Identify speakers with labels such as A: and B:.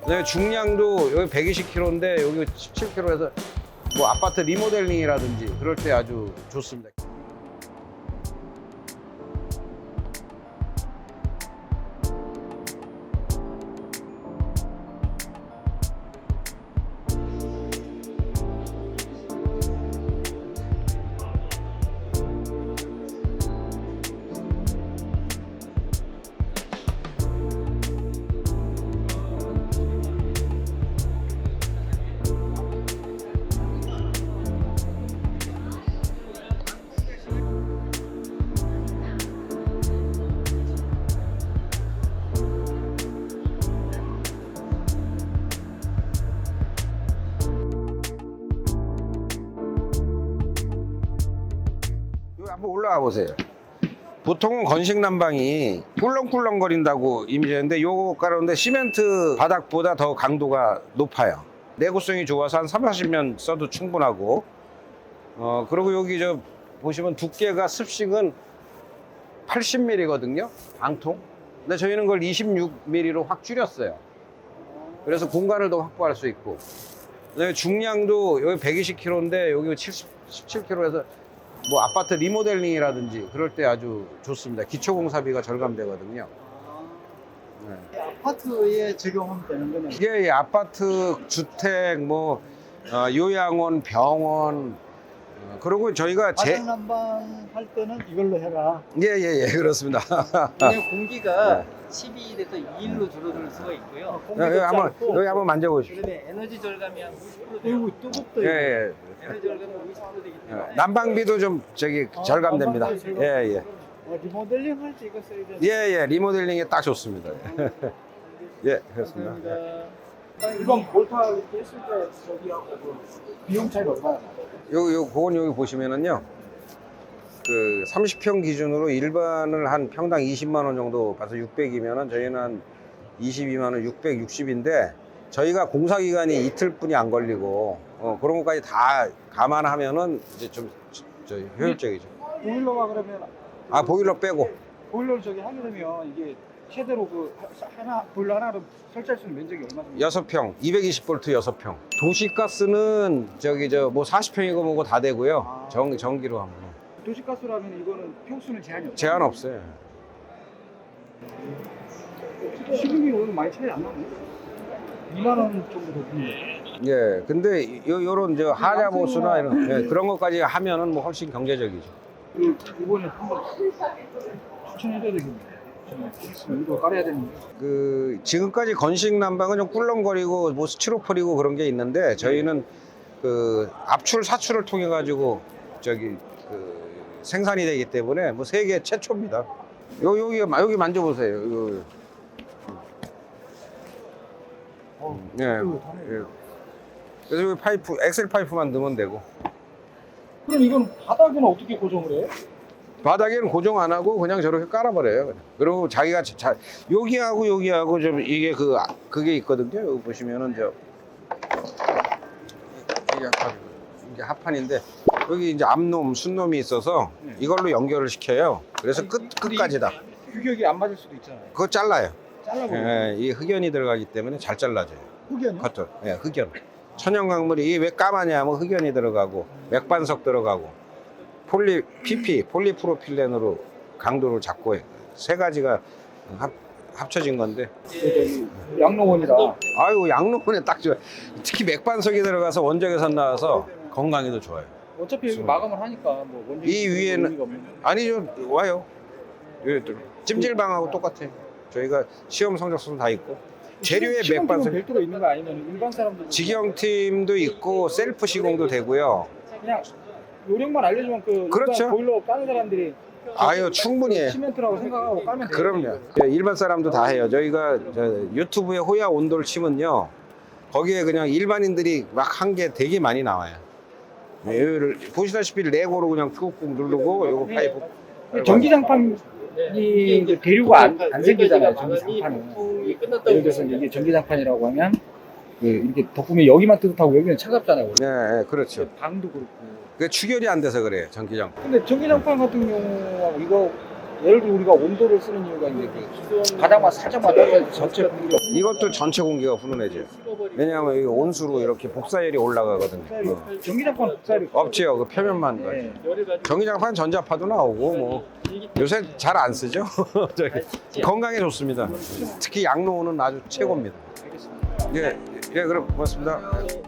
A: 그다음에 중량도 여기 120kg인데 여기 17kg에서 뭐 아파트 리모델링이라든지 그럴 때 아주 좋습니다. 여기 한번 올라가 보세요. 보통은 건식 난방이 꿀렁꿀렁거린다고 이미지인데 요거 가운데 시멘트 바닥보다 더 강도가 높아요. 내구성이 좋아서 한 30~40년 써도 충분하고 그리고 여기 저 보시면 두께가 습식은 80mm거든요 방통. 근데 저희는 그걸 26mm로 확 줄였어요. 그래서 공간을 더 확보할 수 있고, 그다음에 중량도 여기 120kg인데 여기 17kg에서 뭐 아파트 리모델링이라든지 그럴 때 아주 좋습니다. 기초공사비가 절감되거든요. 네.
B: 아파트에 적용하면 되는 거는
A: 이게 아파트, 주택, 뭐 요양원, 병원, 그리고 저희가
B: 바닥난방 할 때는 이걸로 해라.
A: 예, 그렇습니다.
C: 그냥 공기가
A: 네.
C: 12일에서 2일로 줄어들 수가 있고요.
A: 여기 한번 만져보십시오.
C: 그다음에 에너지 절감이 한 50% 돼요.
B: 그리고 뜨겁다.
A: 예.
C: 에너지 절감이 50% 되기 때문에
A: 난방비도 좀 절감됩니다.
B: 난방비 절감.
A: 예.
B: 리모델링 할 때 이거 써야 돼.
A: 예, 리모델링에 딱 좋습니다. 예, 그렇습니다.
B: 이번 볼타 이렇게 했을 때 저기하고 그 비용 차이가 얼마나?
A: 그건 여기 보시면은요. 그 30평 기준으로 일반을 한 평당 20만 원 정도 봐서 600이면은 저희는 한 22만 원 660인데 저희가 공사 기간이 이틀뿐이 안 걸리고 그런 것까지 다 감안하면은 이제 좀 효율적이죠.
B: 보일러가 그러면
A: 보일러 빼고
B: 보일러를 저기 하게 되면 이게 최대로 그 하나 보일러 하나로 설치할 수 있는 면적이 얼마 정도?
A: 6평 220V 6평. 도시가스는 뭐 40평이고 뭐고 다 되고요. 전기로 하면
B: 도시가스라면 이거는 평수는 제한이 없어요.
A: 제한 없어요.
B: 시중이 오늘 많이 차이 안 나네. 2만 원 정도 더 드네.
A: 예, 근데 요런 하자보수나 이런 그런 것까지 하면은 뭐 훨씬 경제적이죠.
B: 이번에 한번 추천해줘야 되겠네. 이거 깔아야 되는데.
A: 지금까지 건식 난방은 좀 꿀렁거리고 뭐 스티로폴이고 그런 게 있는데 저희는 압출 사출을 통해 가지고 생산이 되기 때문에 뭐 세계 최초입니다. 여기 만져보세요. 예. 그래서 여기 파이프, 엑셀 파이프만 넣으면 되고.
B: 그럼 이건 바닥은 어떻게 고정을 해요?
A: 바닥에는 고정 안 하고 그냥 저렇게 깔아버려요. 그냥. 그리고 자기가 여기하고 좀 이게 그게 있거든요. 여기 보시면은 이게 합판인데 여기 이제 앞놈, 순놈이 있어서 이걸로 연결을 시켜요. 그래서 끝까지 다.
B: 규격이 안 맞을 수도 있잖아요.
A: 그거 잘라요.
B: 잘라버려.
A: 예, 이 흑연이 들어가기 때문에 잘 잘라져요.
B: 흑연이?
A: 커터. 예, 흑연. 천연 강물이 이게 왜 까마냐면 흑연이 들어가고 맥반석 들어가고 폴리프로필렌으로 강도를 잡고 해요. 세 가지가 합쳐진 건데.
B: 양로원이다.
A: 아이고 양로원에 딱 좋아요. 특히 맥반석이 들어가서 원적외선 나와서 건강에도 좋아요.
B: 어차피 여기 마감을 하니까 뭐 원적이
A: 이 위에는
B: 의미가 없는
A: 아니죠, 와요. 찜질방하고 똑같아요. 저희가 시험 성적서도 다 있고 재료에 맥반석
B: 별도로 있는 거 아니면 일반 사람들
A: 직영팀도 있고 셀프 시공도 되고요.
B: 그냥 요령만 알려주면
A: 그렇죠.
B: 일반 보일러 까는 사람들이
A: 아유 충분히 해요.
B: 시멘트라고 생각하고 까면 돼요.
A: 그럼요. 일반 사람도 다 해요. 저희가 유튜브에 호야 온돌 치면요, 거기에 그냥 일반인들이 막 한 게 되게 많이 나와요. 여기를 보시다시피 레고로 그냥 꾹꾹 누르고 요거 파이프.
B: 전기장판이 이제 대류가 안 생기잖아요. 전기장판은. 예를 들어서 이게 전기장판이라고 하면 이렇게 덮으면 여기만 뜨뜻하고 여기는 차갑잖아요.
A: 네, 그렇죠.
B: 방도 그렇고.
A: 그 추결이 안 돼서 그래요, 전기장.
B: 근데 전기장판 같은 경우하고 이거 예를 들어 우리가 온도를 쓰는 이유가 이제 그 바닥만 살짝만 떨어져 전체 공기가
A: 이것도 전체 공기가 훈훈해져요. 왜냐하면 이 온수로 이렇게 복사열이 올라가거든요.
B: 전기장판 복사를
A: 없지요. 그 표면만.
B: 네.
A: 전기장판 전자파도 나오고 뭐 요새 잘 안 쓰죠. 저기 건강에 좋습니다. 특히 양로원은 아주 최고입니다. 예, 예, 그럼 고맙습니다.